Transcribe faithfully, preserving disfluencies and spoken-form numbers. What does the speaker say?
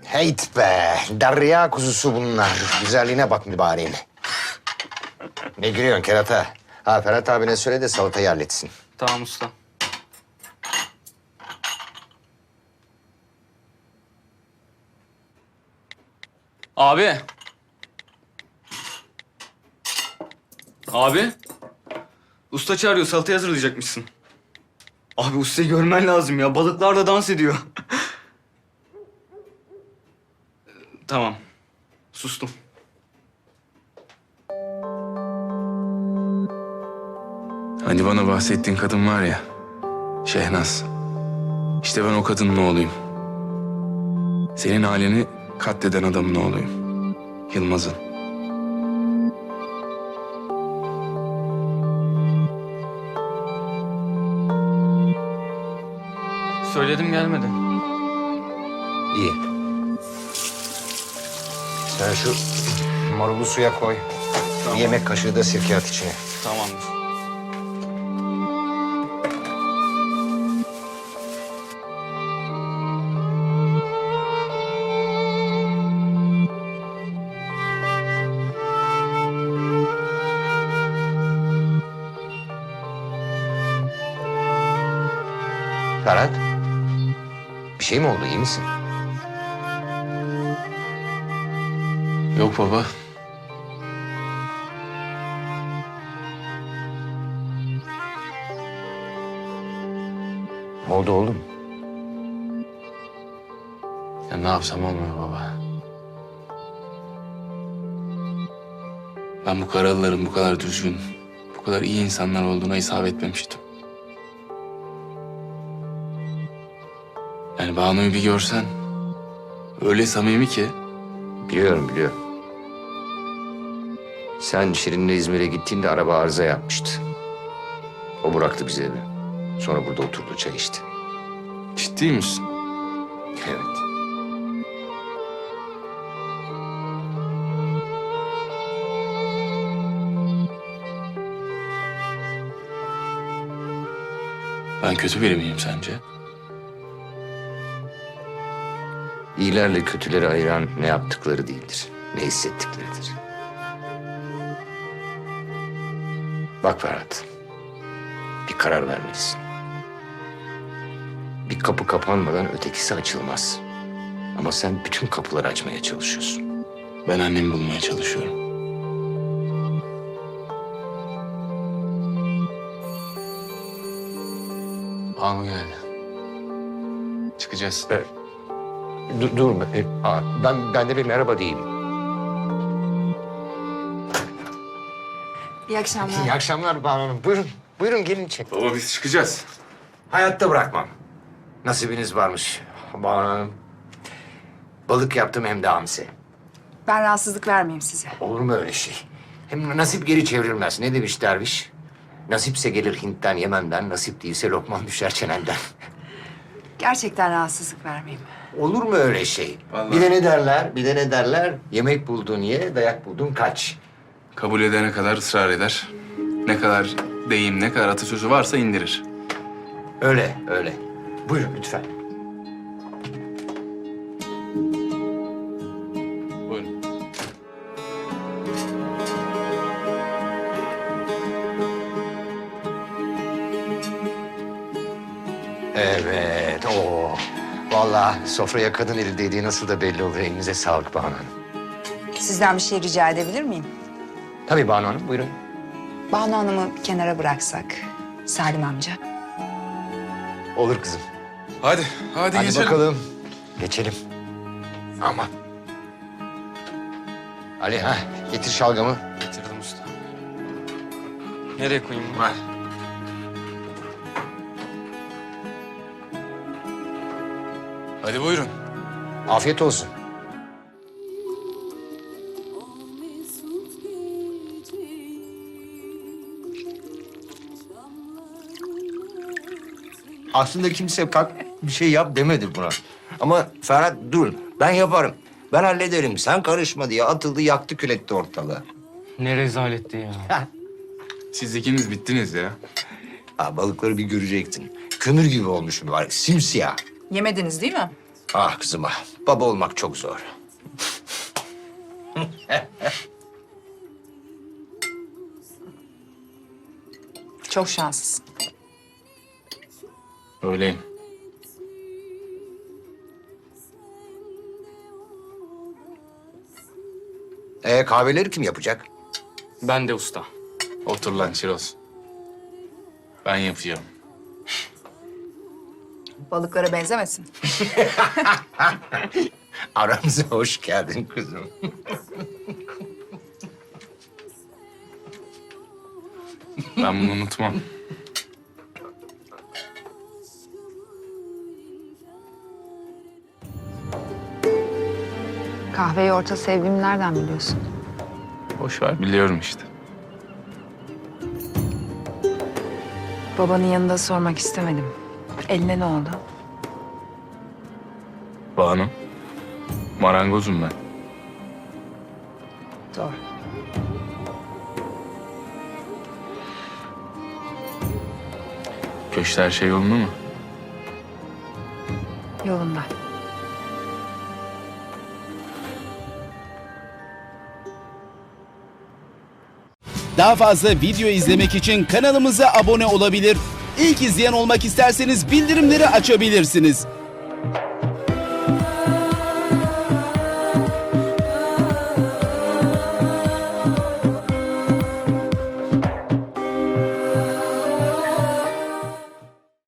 Heyt be, derya kuzusu bunlar. Güzelliğine bak mübareğin. Ne gülüyorsun kerata? Ha Ferhat abine söyle de salatayı halletsin. Tamam usta. Abi. Abi. Usta çağırıyor, salatayı hazırlayacakmışsın. Abi ustayı görmen lazım ya. Balıklar da dans ediyor. Tamam. Sustum. Hani bana bahsettiğin kadın var ya, Şehnaz. İşte ben o kadının oğluyum. Senin aileni katleden adamın oğluyum. Yılmaz'ın. Söyledim gelmedi. İyi. Sen şu marulu suya koy. Tamam. Bir yemek kaşığı da sirke at içine. Tamamdır. Ferhat. Bir şey mi oldu? İyi misin? Yok baba. Ne oldu oğlum? Ya ne yapsam olmuyor baba. Ben bu Karalıların bu kadar düzgün, bu kadar iyi insanlar olduğuna hesap etmemiştim. Yani Banu'yu bir görsen, öyle samimi ki. Biliyorum, biliyorum. Sen Şirin'le İzmir'e gittiğinde araba arıza yapmıştı. O bıraktı bizi eve. Sonra burada oturdu, çay içti. Ciddi misin? Evet. Ben kötü biri miyim sence? İyilerle kötüleri ayıran ne yaptıkları değildir, ne hissettikleridir. Bak Ferhat, bir karar vermelisin. Bir kapı kapanmadan ötekisi açılmaz. Ama sen bütün kapıları açmaya çalışıyorsun. Ben annemi bulmaya çalışıyorum. Banu geldi. Çıkacağız. Evet. Dur, dur. E, aa, ben, ben de bir merhaba diyeyim. İyi akşamlar. İyi akşamlar Banu Hanım. Buyurun, buyurun gelin çek. Baba biz çıkacağız. Hayatta bırakmam. Nasibiniz varmış Banu Hanım. Balık yaptım hem de hamsi. Ben rahatsızlık vermeyeyim size. Olur mu öyle şey? Hem nasip geri çevrilmez. Ne demiş derviş? Nasipse gelir Hint'ten, Yemen'den. Nasip değilse lokman düşer çenenden. Gerçekten rahatsızlık vermeyeyim. Olur mu öyle şey? Vallahi. Bir de ne derler, bir de ne derler? Yemek buldun ye, dayak buldun kaç. Kabul edene kadar ısrar eder. Ne kadar deyim, ne kadar atasözü varsa indirir. Öyle, öyle. Buyurun lütfen. Buyurun. Evet, o. Vallahi sofraya kadın eli değdiği nasıl da belli olur. Elinize sağlık Banu Hanım. Sizden bir şey rica edebilir miyim? Tabii Banu Hanım, buyurun. Banu Hanım'ı bir kenara bıraksak. Salim amca. Olur kızım. Hadi, hadi, Hadi geçelim. bakalım. Geçelim. Aman. Ali, ha getir şalgamı. Getirdim usta. Nereye koyayım bunu? Ver. Hadi buyurun. Afiyet olsun. Aslında kimse kalk bir şey yap demedi buna. Ama Ferhat dur, ben yaparım. Ben hallederim, sen karışma diye atıldı, yaktı, kül etti ortalığı. Ne rezaletti ya. Siz ikiniz bittiniz ya. Ha, balıkları bir görecektin. Kömür gibi olmuş mübarek, simsiyah. Yemediniz değil mi? Ah kızım ah. Baba olmak çok zor. Çok şanslısın. Öyleyim. Ee, kahveleri kim yapacak? Ben de usta. Otur lan Çiroz. Ben yapacağım. Balıklara benzemesin. Aramıza hoş geldin kızım. Ben bunu unutmam. Kahveyi orta sevdiğimi nereden biliyorsun? Boş ver, biliyorum işte. Babanın yanında sormak istemedim. Eline ne oldu? Banu. Marangozum ben. Doğru. Köşte her şey yolunda mı? Yolunda. Daha fazla video izlemek için kanalımıza abone olabilir. İlk izleyen olmak isterseniz bildirimleri açabilirsiniz.